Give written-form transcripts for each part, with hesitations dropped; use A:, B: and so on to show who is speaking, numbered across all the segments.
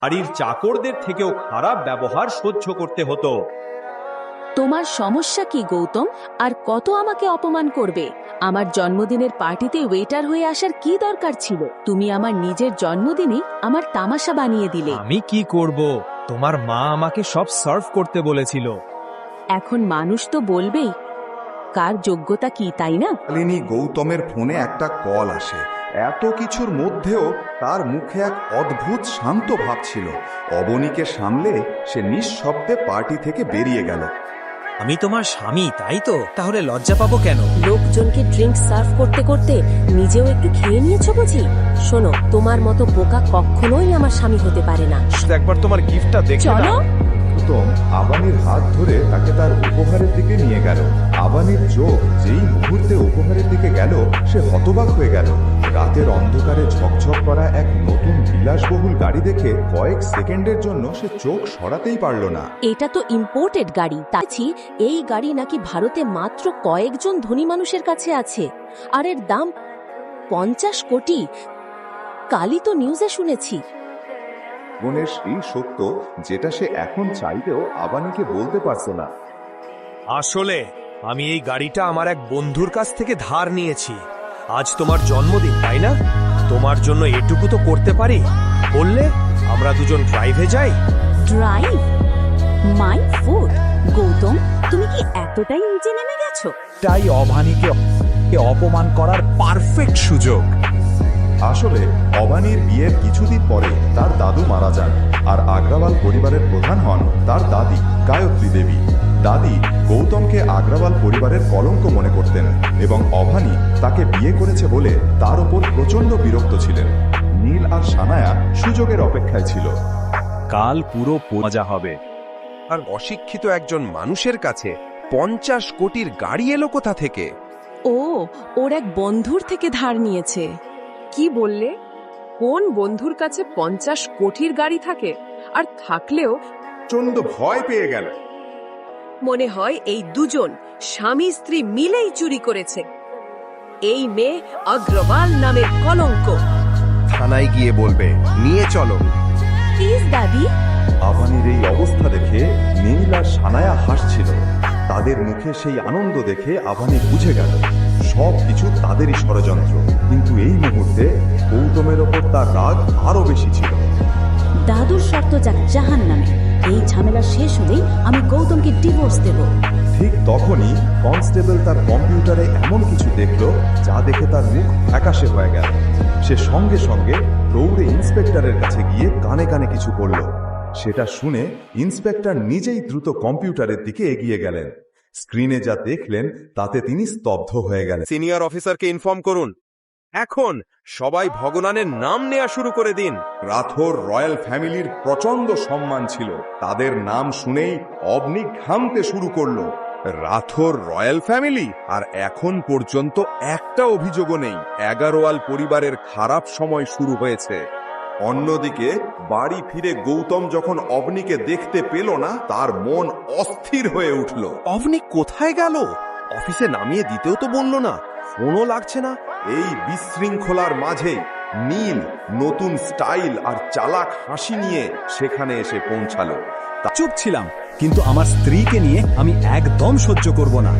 A: বাড়ির চাকরদের থেকেও খারাপ ব্যবহার সহ্য করতে হতো।
B: তোমার সমস্যা কি গৌতম? আর কত আমাকে অপমান করবে? আমার জন্মদিনের পার্টিতে ওয়েটার হয়ে আসার কি দরকার ছিল? তুমি আমার নিজের জন্মদিনে আমার তামাশা বানিয়ে দিলে।
C: আমি কি করব? তোমার মা আমাকে সব সার্ভ করতে বলেছিল।
B: এখন মানুষ তো বলবেই কার যোগ্যতা কি, তাই না?
D: শালিনী গৌতমের ফোনে একটা কল আসে। এত কিছুর মধ্যেও তার মুখে এক অদ্ভুত শান্ত ভাব ছিল। অবনীকে সামলে সে নিঃশব্দে পার্টি থেকে বেরিয়ে গেল।
C: আমি তোমার স্বামী, তাই তো? তাহলে লজ্জা পাবো কেন?
E: লোকজনকে ড্রিঙ্ক সার্ভ করতে করতে নিজেও একটু খেয়ে নিয়েছো বুঝি? শোনো, তোমার মতো বোকা কখনোই আমার স্বামী হতে পারে না।
C: একবার তোমার গিফটটা দেখে
B: চলো।
D: গৌতম আবানির হাত ধরে তাকে তার উপহারের দিকে নিয়ে গেল। আবানির চোখ যেই মুহূর্তে উপহারের দিকে গেল, সে হতবাক হয়ে গেল। রাতের অন্ধকারে ঝকঝক করা এক নতুন বিলাসবহুল গাড়ি দেখে কয়েক সেকেন্ডের জন্য সে চোখ সরাতেই পারল না।
E: এটা তো ইম্পোর্টেড গাড়ি। তাছি এই গাড়ি নাকি ভারতে মাত্র কয়েকজন ধনী মানুষের কাছে আছে, আর এর দাম 50 কোটি। কালই তো নিউজে শুনেছি।
D: জীবনের সেই সত্য যেটা সে এখন চাইলেও আবানিকে বলতে পারত না।
C: আসলে আমি এই গাড়িটা আমার এক বন্ধুর কাছ থেকে ধার নিয়েছি। আজ তোমার জন্মদিন, তাই না? তোমার জন্য এটুকু তো করতে পারি। বললে আমরা দুজন ড্রাইভে যাই।
B: ড্রাইভ? My food! গৌতম, তুমি কি এতটাই নিচে নেমে গেছো?
C: তাই অভানীকে অপমান করার পারফেক্ট সুযোগ।
D: আসলে অবানির বিয়ের কিছুদিন পরে তার দাদু মারা যান, আর আগ্রাওয়াল পরিবারের প্রধান হন তার দাদি গায়ত্রী দেবী। দাদি গৌতমকে আগ্রাওয়াল পরিবারের কলঙ্ক মনে করতেন এবং অভানী তাকে বিয়ে করেছে বলে তার ওপর প্রচন্ড বিরক্ত ছিলেন। নীল আর সানায়া সুযোগের অপেক্ষায় ছিল।
C: কাল পুরো মজা হবে।
F: আর অশিক্ষিত একজন মানুষের কাছে 50 কোটির গাড়ি এলো কোথা থেকে?
B: ও, ওর এক বন্ধুর থেকে ধার নিয়েছে।
G: কি বললে? কোন বন্ধুর কাছে 50 কোটির গাড়ি থাকে? আর থাকলেও
D: প্রচন্ড ভয় পেয়ে গেল।
G: মনে হয় এই দুজন স্বামী স্ত্রী মিলেই চুরি করেছে। এই মেয়ে অগ্রওয়াল নামের কলঙ্ক।
F: থানায় গিয়ে বলবে, নিয়ে চলো।
B: প্লিজ দাদি।
D: আবানির এই অবস্থা দেখে নীল আর সানায়া হাসছিল। তাদের মুখে সেই আনন্দ দেখে আবানি বুঝে গেল সব কিছু তাদেরই ষড়যন্ত্র। কিন্তু এই মুহূর্তে গৌতমের ওপর তার রাগ আরো বেশি ছিল।
B: দাদুর শর্ত যাক জাহান্নামে। এই ঝামেলা শেষ হলেই আমি গৌতমকে ডিভোর্স দেব।
D: ঠিক তখনই কনস্টেবল তার কম্পিউটারে এমন কিছু দেখল যা দেখে তার মুখ ফ্যাকাশে হয়ে গেল। সে সঙ্গে সঙ্গে দৌড়ে ইন্সপেক্টরের কাছে গিয়ে কানে কানে কিছু বলল। সেটা শুনে ইন্সপেক্টর নিজেই দ্রুত কম্পিউটারের দিকে এগিয়ে গেলেন। স্ক্রিনে যা দেখলেন তাতে তিনি স্তব্ধ হয়ে গেলেন।
F: সিনিয়র অফিসারকে ইনফর্ম করুন, এখন সবাই ভগবানের নাম নেওয়া শুরু করে দিন।
D: রাথোর রয়্যাল ফ্যামিলির প্রচন্ড সম্মান ছিল। তাদের নাম শুনেই অবনী ঘামতে শুরু করলো।
F: Rathore royal family? আর এখন পর্যন্ত একটা অভিযোগও নেই। এগারোয়াল পরিবারের খারাপ সময় শুরু হয়েছে।
D: অন্যদিকে বাড়ি ফিরে গৌতম যখন অবনীকে দেখতে পেল না, তার মন অস্থির হয়ে উঠল।
F: অবনী কোথায় গেল? অফিসে নামিয়ে দিতেও তো বলল না, ফোনও লাগছে না।
D: এই বিশৃঙ্খলার মাঝে নীল নতুন স্টাইল আর চালাক হাসি নিয়ে সেখানে এসে পৌঁছালো।
C: চুপ ছিলাম, কিন্তু আমার স্ত্রীকে নিয়ে আমি একদম সহ্য করব না।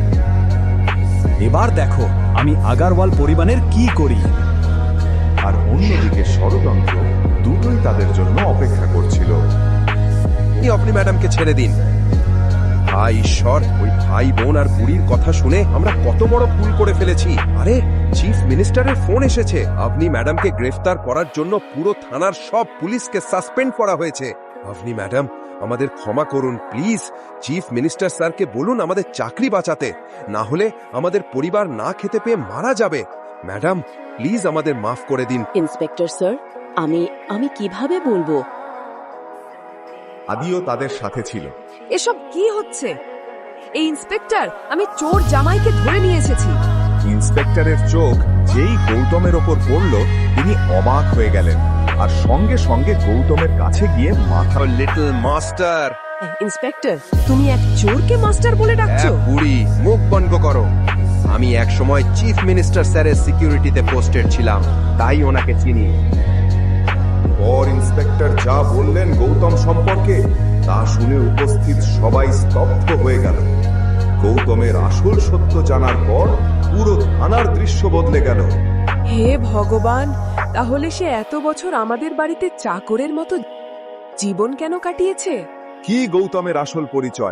C: এবার দেখো আমি আগারওয়াল পরিবারের কি করি।
D: আর অন্যদিকে ষড়যন্ত্র দুটোই তাদের জন্য অপেক্ষা করছিল।
F: আপনি ম্যাডামকে ছেড়ে দিন। হায় ঈশ্বর, ওই ভাই বোন আর বুড়ির কথা শুনে আমরা কত বড় ভুল করে ফেলেছি। আরে, চিফ মিনিস্টারের ফোন এসেছে। আপনি ম্যাডামকে গ্রেফতার করার জন্য পুরো থানার সব পুলিশকে সাসপেন্ড করা হয়েছে। আপনি ম্যাডাম আমাদের ক্ষমা করুন প্লিজ। চিফ মিনিস্টার স্যারকে বলুন আমাদের চাকরি বাঁচাতে, না হলে আমাদের পরিবার না খেতে পেয়ে মারা যাবে। ম্যাডাম প্লিজ আমাদের মাফ করে দিন।
B: ইন্সপেক্টর স্যার, আমি কিভাবে বলবো?
D: আদিও তাদের সাথে ছিল।
G: এসব কি হচ্ছে? এই ইন্সপেক্টর, আমি চোর জামাইকে ধরে নিয়ে এসেছি।
D: ইন্সপেক্টরের চোখ যেই গৌতমের ওপর পড়ল, তিনি অবাক হয়ে গেলেন আর সঙ্গে সঙ্গে গৌতমের কাছে গিয়ে মাথা।
F: Little master.
G: ইন্সপেক্টর, তুমি এক চোরকে মাস্টার বলে ডাকছো?
F: বুড়ি, মুখ বন্ধ করো। আমি এক সময় চিফ মিনিস্টার স্যারের সিকিউরিটিতে পোস্টেড ছিলাম, তাই ওনাকে চিনি।
D: পর ইন্সপেক্টর যা বললেন গৌতম সম্পর্কে তা শুনে উপস্থিত সবাই স্তব্ধ হয়ে গেল। গৌতমের আসল সত্য জানার পর পুরো থানার দৃশ্য বদলে গেল।
G: হে ভগবান, তাহলে সে এত বছর আমাদের বাড়িতে চাকরের মতো জীবন কেন কাটিয়েছে?
D: কি গৌতমের আসল পরিচয়